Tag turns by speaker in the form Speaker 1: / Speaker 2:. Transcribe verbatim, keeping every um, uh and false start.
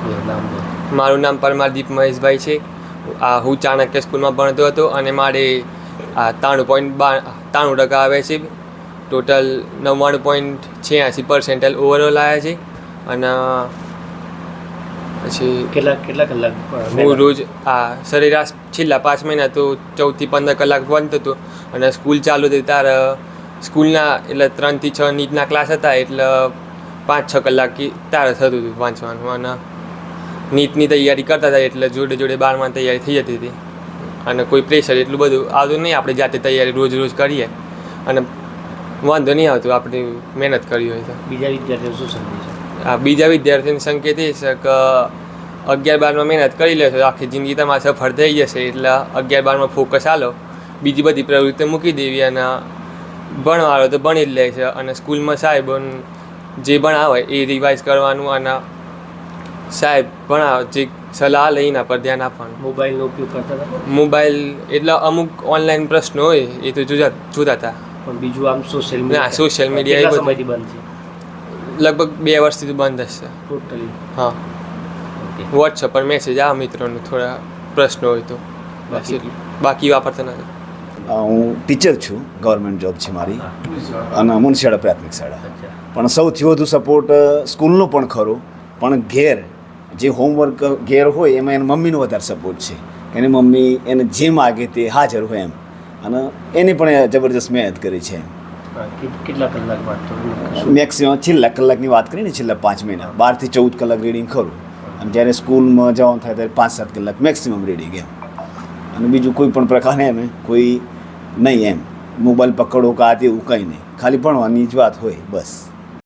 Speaker 1: મારું નામ પરમારદીપ મહેશભાઈ છે. આ હું ચાણક્ય સ્કૂલમાં ભણતો હતો અને મારે આ ત્રાણું પોઈન્ટ બા ત્રાણું ટકા આવે છે. ટોટલ નવ્વાણું પોઈન્ટ છ્યાસી પર્સેન્ટેજ ઓવરઓલ આવ્યા છે. અને પછી
Speaker 2: કેટલા કેટલા કલાક
Speaker 1: હું રોજ આ સરેરાશ છેલ્લા પાંચ મહિના તો ચૌદથી પંદર કલાક ભણતો હતો. અને સ્કૂલ ચાલુ હતી ત્યારે સ્કૂલના એટલે ત્રણથી છ નીટના ક્લાસ હતા એટલે પાંચ છ કલાક ત્યારે થતું હતું વાંચવાનું. અને નીટની તૈયારી કરતા હતા એટલે જોડે જોડે બારમાં તૈયારી થઈ જતી હતી. અને કોઈ પ્રેશર એટલું બધું આવતું નહીં. આપણે જાતે તૈયારી રોજ રોજ કરીએ અને વાંધો નહીં આવતું આપણે મહેનત કરી હોય તો.
Speaker 2: બીજા વિદ્યાર્થીઓ શું સમજે છે?
Speaker 1: આ બીજા વિદ્યાર્થીઓને સંકેત એ છે કે અગિયાર બારમાં મહેનત કરી લેશો આખી જિંદગી તમારે સફળ થઈ જશે. એટલે અગિયાર બારમાં ફોકસ આલો, બીજી બધી પ્રવૃત્તિ મૂકી દેવી અને ભણવાનો તો ભણી જ લે છે. અને સ્કૂલમાં સાહેબ જે ભણાવે એ રિવાઇઝ કરવાનું અને સાહેબ ભણાવે જે સલાહ લઈને એના પર ધ્યાન આપવાનું.
Speaker 2: મોબાઈલનો ઉપયોગ કરતા હતા?
Speaker 1: મોબાઈલ એટલે અમુક ઓનલાઈન પ્રશ્નો હોય એ તો જોતા જોતા હતા.
Speaker 2: પણ બીજું આમ સોશિયલ
Speaker 1: ના
Speaker 2: મીડિયા
Speaker 1: સોશિયલ મીડિયા એ
Speaker 2: સમયથી બંધ છે?
Speaker 1: લગભગ બે વર્ષથી તો બંધ જ છે.
Speaker 2: ટોટલી?
Speaker 1: હા, વોટ્સઅપ પર મેસેજ આવે મિત્રોને થોડા પ્રશ્નો હોય તો,
Speaker 2: બાકી
Speaker 1: બાકી વાપરતા નથી.
Speaker 3: હું ટીચર છું, ગવર્મેન્ટ જોબ છે મારી અને મુનશિયાળા પ્રાથમિક શાળા. પણ સૌથી વધુ સપોર્ટ સ્કૂલનો પણ ખરો, પણ ઘેર જે હોમવર્ક ઘેર હોય એમાં એની મમ્મીનો વધારે સપોર્ટ છે. એની મમ્મી એને જે માગે તે હાજર હોય એમ, અને એને પણ જબરજસ્ત મહેનત કરી છે.
Speaker 2: કેટલા કલાક વાંચતો?
Speaker 3: મેક્સિમમ છેલ્લા કલાકની વાત કરીએ ને, છેલ્લા પાંચ મહિના બારથી ચૌદ કલાક રીડિંગ ખરું. અને જ્યારે સ્કૂલમાં જવાનું થાય ત્યારે પાંચ સાત કલાક મેક્સિમમ રીડિંગ એમ. અને બીજું કોઈ પણ પ્રકારને એને કોઈ નહીં એમ મોબાઈલ પકડો કે આ તેવું કંઈ નહીં, ખાલી ભણવાની જ વાત હોય બસ.